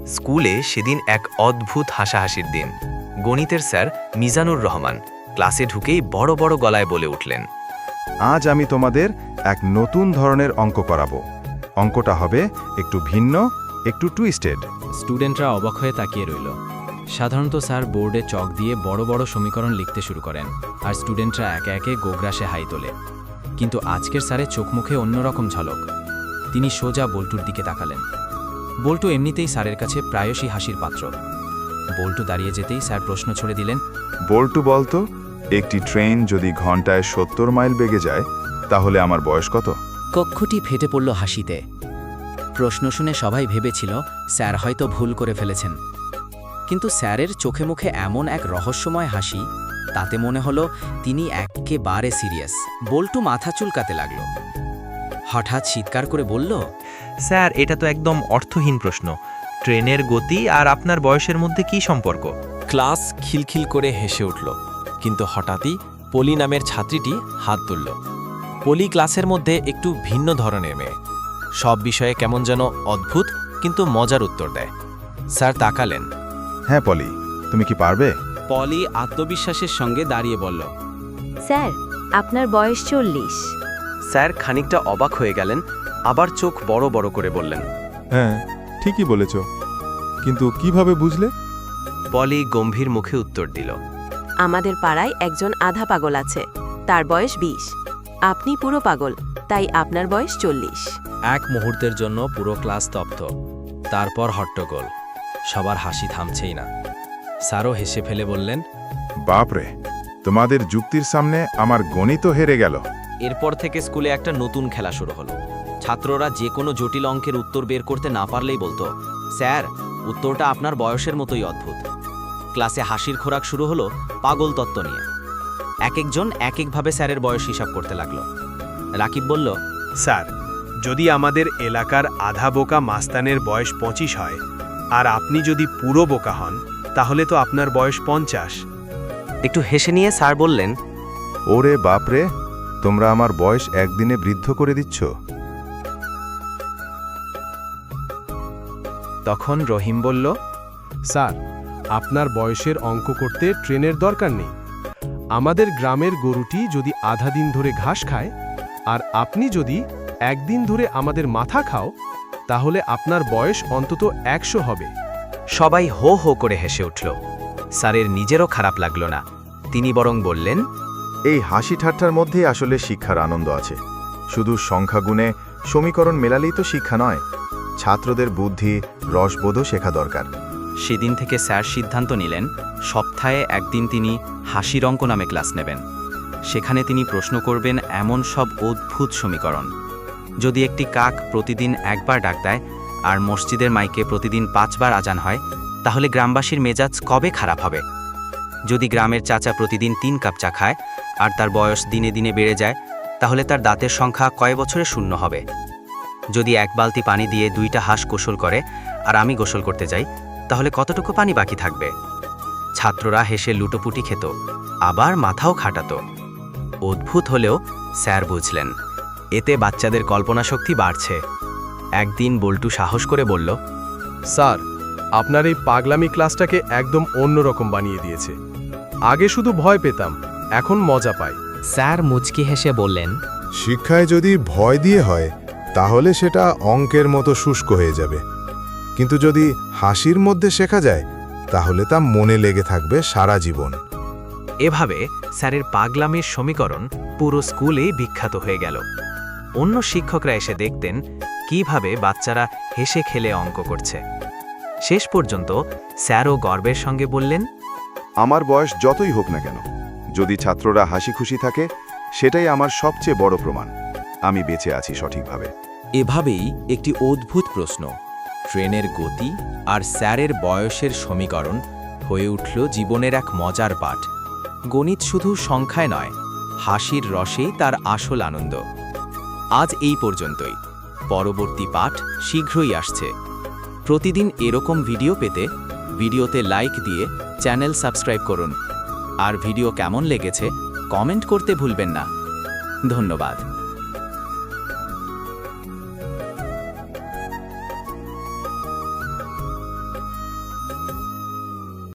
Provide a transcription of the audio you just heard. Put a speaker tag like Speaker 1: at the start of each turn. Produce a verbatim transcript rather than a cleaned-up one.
Speaker 1: স্কুলে সেদিন এক অদ্ভুত হাসাহাসির দিন। গণিতের স্যার মিজানুর রহমান ক্লাসে ঢুকেই বড় বড় গলায় বলে উঠলেন,
Speaker 2: আজ আমি তোমাদের এক নতুন ধরনের অঙ্ক করাবো। অঙ্কটা হবে একটু ভিন্ন, একটু টুইস্টেড।
Speaker 3: স্টুডেন্টরা অবাক হয়ে তাকিয়ে রইল। সাধারণত স্যার বোর্ডে চক দিয়ে বড় বড় সমীকরণ লিখতে শুরু করেন, আর স্টুডেন্টরা একে একে গোগ্রাসে হাই তোলে। কিন্তু আজকের স্যারের চোখ মুখে অন্যরকম ঝলক। তিনি সোজা বল্টুর দিকে তাকালেন। বল্টু এমনিতেই স্যারের কাছে প্রায়শই হাসির পাত্র। বল্টু দাঁড়িয়ে যেতেই স্যার প্রশ্ন ছড়ে দিলেন,
Speaker 2: বল্টু বলতো, একটি ট্রেন যদি ঘন্টায় সত্তর মাইল বেগে যায় তাহলে আমার বয়স কত?
Speaker 3: কক্ষটি ফেটে পড়ল হাসিতে। প্রশ্ন শুনে সবাই ভেবেছিল স্যার হয়তো ভুল করে ফেলেছেন। কিন্তু স্যারের চোখে মুখে এমন এক রহস্যময় হাসি, তাতে মনে হলো তিনি একেবারে সিরিয়াস। বল্টু মাথা চুলকাতে লাগল। হঠাৎ চিৎকার করে বলল,
Speaker 1: স্যার এটা তো একদম অর্থহীন প্রশ্ন। ট্রেনের গতি আর আপনার বয়সের মধ্যে কি সম্পর্ক?
Speaker 4: ক্লাস খিলখিল করে হেসে উঠল, কিন্তু হঠাৎই পলি নামের ছাত্রীটি হাত তুলল। পলি ক্লাসের মধ্যে একটু ভিন্ন ধরনের মেয়ে, সব বিষয়ে কেমন যেন অদ্ভুত কিন্তু মজার উত্তর দেয়। স্যার তাকালেন।
Speaker 2: হ্যাঁ পলি, তুমি কি পারবে?
Speaker 3: পলি আত্মবিশ্বাসের সঙ্গে দাঁড়িয়ে বলল,
Speaker 5: স্যার আপনার বয়স চল্লিশ।
Speaker 1: স্যার খানিকটা অবাক হয়ে গেলেন, আবার চোখ বড় বড় করে বললেন,
Speaker 6: হ্যাঁ ঠিকই বলেছ, কিন্তু কিভাবে বুঝলে?
Speaker 1: পলি গম্ভীর মুখে উত্তর দিল,
Speaker 5: আমাদের পাড়ায় একজন আধা পাগল আছে, তার বয়স বিশ। আপনি পুরো পাগল, তাই আপনার বয়স চল্লিশ।
Speaker 3: এক মুহূর্তের জন্য পুরো ক্লাস স্তব্ধ। তারপর হট্টগোল, সবার হাসি থামছেই না। স্যারও হেসে ফেলে বললেন,
Speaker 2: বাপরে, তোমাদের যুক্তির সামনে আমার গণিত হেরে গেল।
Speaker 4: এরপর থেকে স্কুলে একটা নতুন খেলা শুরু হলো। ছাত্ররা যে কোনো জটিল অঙ্কের উত্তর বের করতে না পারলেই বলতো, স্যার উত্তরটা আপনার বয়সের মতোই অদ্ভুত। ক্লাসে হাসির খোরাক শুরু হলো পাগল তত্ত্ব নিয়ে। এক একজন এক একভাবে স্যারের বয়স হিসাব করতে লাগলো। রাকিব বলল,
Speaker 7: স্যার যদি আমাদের এলাকার আধা বোকা মাস্তানের বয়স পঁচিশ হয় আর আপনি যদি পুরো বোকা হন, তাহলে তো আপনার বয়স পঞ্চাশ।
Speaker 1: একটু হেসে নিয়ে স্যার বললেন,
Speaker 2: ওরে বাপরে, তোমরা আমার বয়স একদিনে বৃদ্ধ করে দিচ্ছ।
Speaker 1: তখন রহিম বলল,
Speaker 8: স্যার আপনার বয়সের অঙ্ক করতে ট্রেনের দরকার নেই। আমাদের গ্রামের গরুটি যদি আধা দিন ধরে ঘাস খায় আর আপনি যদি একদিন ধরে আমাদের মাথা খাও, তাহলে আপনার বয়স অন্তত একশো হবে।
Speaker 1: সবাই হো হো করে হেসে উঠল। স্যারের নিজেরও খারাপ লাগল না, তিনি বরং বললেন,
Speaker 2: এই হাসি ঠাট্টার মধ্যেই আসলে শিক্ষার আনন্দ আছে। শুধু সংখ্যা গুণে সমীকরণ মেলালেই তো শিক্ষা নয়, ছাত্রদের বুদ্ধি রসবোধও শেখা দরকার।
Speaker 1: সেদিন থেকে স্যার সিদ্ধান্ত নিলেন, সপ্তাহে একদিন তিনি হাসির অঙ্ক নামে ক্লাস নেবেন। সেখানে তিনি প্রশ্ন করবেন এমন সব অদ্ভুত সমীকরণ। যদি একটি কাক প্রতিদিন একবার ডাক দেয় আর মসজিদের মাইকে প্রতিদিন পাঁচবার আজান হয়, তাহলে গ্রামবাসীর মেজাজ কবে খারাপ হবে? যদি গ্রামের চাচা প্রতিদিন তিন কাপ চা খায় আর তার বয়স দিনে দিনে বেড়ে যায়, তাহলে তার দাঁতের সংখ্যা কয় বছরে শূন্য হবে? যদি এক বালতি পানি দিয়ে দুইটা হাঁস গোসল করে আর আমি গোসল করতে যাই, তাহলে কতটুকু পানি বাকি থাকবে? ছাত্ররা হেসে লুটোপুটি খেত, আবার মাথাও খাটাত। অদ্ভুত হলেও স্যার বুঝলেন, এতে বাচ্চাদের কল্পনা শক্তি বাড়ছে। একদিন বল্টু সাহস করে বলল,
Speaker 8: স্যার আপনার এই পাগলামি ক্লাসটাকে একদম অন্যরকম বানিয়ে দিয়েছে। আগে শুধু ভয় পেতাম, এখন মজা পাই।
Speaker 3: স্যার মুচকি হেসে বললেন,
Speaker 6: শিক্ষায় যদি ভয় দিয়ে হয় তাহলে সেটা অঙ্কের মতো শুষ্ক হয়ে যাবে, কিন্তু যদি হাসির মধ্যে শেখা যায় তাহলে তা মনে লেগে থাকবে সারা জীবন।
Speaker 1: এভাবে স্যারের পাগলামির সমীকরণ পুরো স্কুলেই বিখ্যাত হয়ে গেল। অন্য শিক্ষকরা এসে দেখতেন কিভাবে বাচ্চারা হেসে খেলে অঙ্ক করছে। শেষ পর্যন্ত স্যারও গর্বের সঙ্গে বললেন,
Speaker 2: আমার বয়স যতই হোক না কেন, যদি ছাত্ররা হাসি খুশি থাকে, সেটাই আমার সবচেয়ে বড় প্রমাণ আমি বেঁচে আছি সঠিকভাবে।
Speaker 4: এভাবেই একটি অদ্ভুত প্রশ্ন, ট্রেনের গতি আর স্যারের বয়সের সমীকরণ হয়ে উঠল জীবনের এক মজার পাঠ। গণিত শুধু সংখ্যায় নয়, হাসির রসেই তার আসল আনন্দ। আজ এই পর্যন্তই। পরবর্তী পাঠ শীঘ্রই আসছে। প্রতিদিন এরকম ভিডিও পেতে ভিডিওতে লাইক দিয়ে চ্যানেল সাবস্ক্রাইব করুন। আর ভিডিও কেমন লেগেছে কমেন্ট করতে ভুলবেন না। ধন্যবাদ।